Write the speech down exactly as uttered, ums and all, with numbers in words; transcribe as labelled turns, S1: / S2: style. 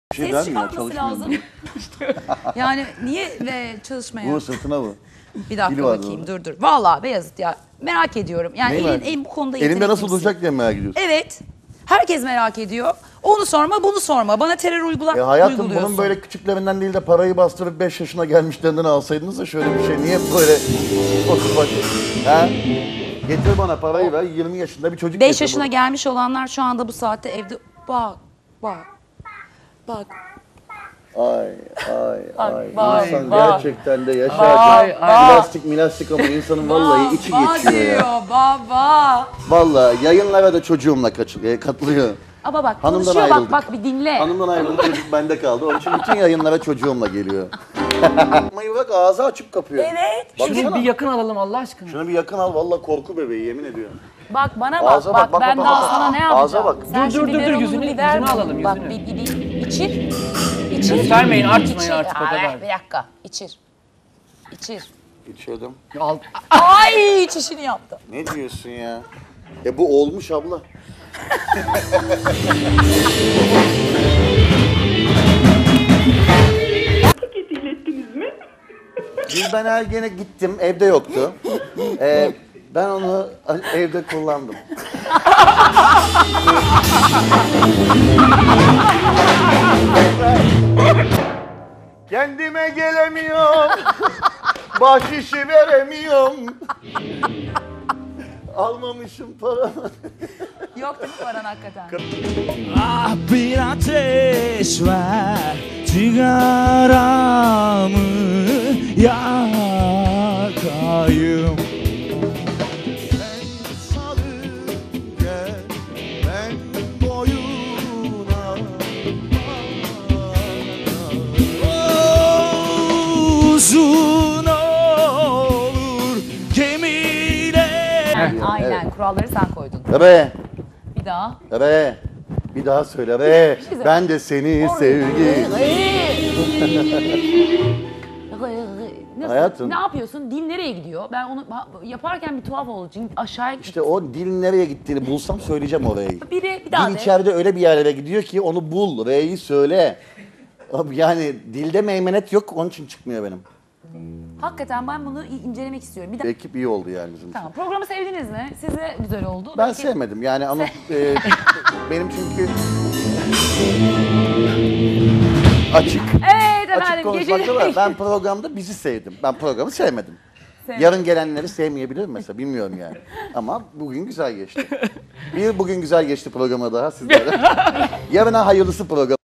S1: Bir şey
S2: Ses
S1: der mi ya?
S2: çıkartması
S1: Çalışmıyor
S2: lazım. Yani niye ve çalışmaya?
S1: Bu sırtına bu.
S2: Bir dakika
S1: Dili vardı
S2: bakayım,
S1: orada.
S2: dur dur. Vallahi Beyazıt ya, merak ediyorum. Yani
S1: Neyi
S2: elin,
S1: merak
S2: elin bu konuda
S1: Elimde
S2: yetenekli
S1: nasıl
S2: misin?
S1: duracak diye merak ediyorsun.
S2: Evet. Herkes merak ediyor. Onu sorma, bunu sorma. Bana terör uygula
S1: E hayatım
S2: uyguluyorsun.
S1: bunun böyle küçüklerinden değil de parayı bastırıp beş yaşına gelmişlerinden alsaydınız da şöyle bir şey. Niye böyle otur bak. Ha? Getir bana parayı ver. yirmi yaşında bir çocuk
S2: beş
S1: getir
S2: yaşına
S1: bana.
S2: gelmiş olanlar şu anda bu saatte evde... Bak, bak, bak.
S1: Ay ay ay.
S2: vay,
S1: İnsan
S2: vay.
S1: gerçekten de
S2: Vay,
S1: yaşarken
S2: vay.
S1: plastik milastik ama insanın vallahi içi
S2: Baba
S1: geçiyor ya.
S2: diyor, baba.
S1: Vallahi yayınlara da çocuğumla kaçı- e, katılıyor.
S2: Ama bak
S1: Hanımdan
S2: konuşuyor,
S1: ayrıldık.
S2: bak bak bir dinle.
S1: Hanımdan ayrıldı çocuk bende kaldı. Onun için bütün yayınlara çocuğumla geliyor. Mayı bak ağzı açıp kapıyor.
S2: Evet.
S3: Şunu
S1: Baksana.
S3: bir yakın alalım Allah aşkına.
S1: Şunu bir yakın al vallahi korku bebeği yemin ediyorum.
S2: Bak bana bak,
S1: Ağza
S2: bak,
S1: bak, bak,
S2: ben
S1: bak,
S2: daha
S1: bak.
S2: sana ne
S1: Ağza
S2: yapacağım?
S1: bak.
S2: Sen
S3: Dur,
S2: şu
S3: dur, dur, dur,
S2: biberonunu
S3: yüzünü-
S2: bir ver
S3: yüzünü
S2: bana.
S3: alalım,
S2: Bak
S3: yüzünü.
S2: bir, bir, bir içir. İçir.
S3: Göstermeyin, artmayın
S2: İçir.
S3: artık o
S2: Aa,
S3: kadar.
S2: Bir dakika, içir. İçir.
S1: İçiyordum.
S3: Al.
S2: Ay çişini yaptı.
S1: Ne diyorsun ya? E bu olmuş abla.
S4: Paketi ilettiniz mi?
S1: Gülben Ergen'e gittim evde yoktu. Ee, ben onu evde kullandım. Kendime gelemiyorum. Bahşişi veremiyorum. Almamışım paramı.
S2: Yok değil mi paran hakikaten?
S5: Ah bir ateş ver, sigaramı yakayım. Ben salık gel, ben boyuna. Uzun olur gemiler.
S2: Aynen, kuralları sen koydun.
S1: Be,
S2: Bir daha.
S1: be. Bir daha söyle be.
S2: söyle.
S1: Ben de seni sevgi.
S2: Nasıl?
S1: Hayatım.
S2: Ne yapıyorsun? Dil nereye gidiyor? Ben onu ba- yaparken bir tuhaf oldu. Çünkü aşağıya
S1: İşte o dilin nereye gittiğini bulsam söyleyeceğim orayı.
S2: biri bir daha
S1: Dil
S2: de.
S1: içeride öyle bir yerlere gidiyor ki onu bul, R'yi söyle. Abi yani dilde meymenet yok, onun için çıkmıyor benim.
S2: Hakikaten ben bunu i- incelemek istiyorum. Bir daha.
S1: Ekip iyi oldu yani bizim için.
S2: Tamam. Programı sevdiniz mi? Size güzel oldu.
S1: Ben
S2: Belki-
S1: sevmedim yani ama e, benim çünkü açık.
S2: Evet
S1: Açık
S2: efendim.
S1: konuşmakta var.
S2: Gece...
S1: Ben programda bizi sevdim. Ben programı sevmedim.
S2: Sevmedim.
S1: Yarın gelenleri sevmeyebilirim mesela, bilmiyorum yani. Ama bugün güzel geçti. Bir bugün güzel geçti programı daha sizlere. Yarına hayırlısı program.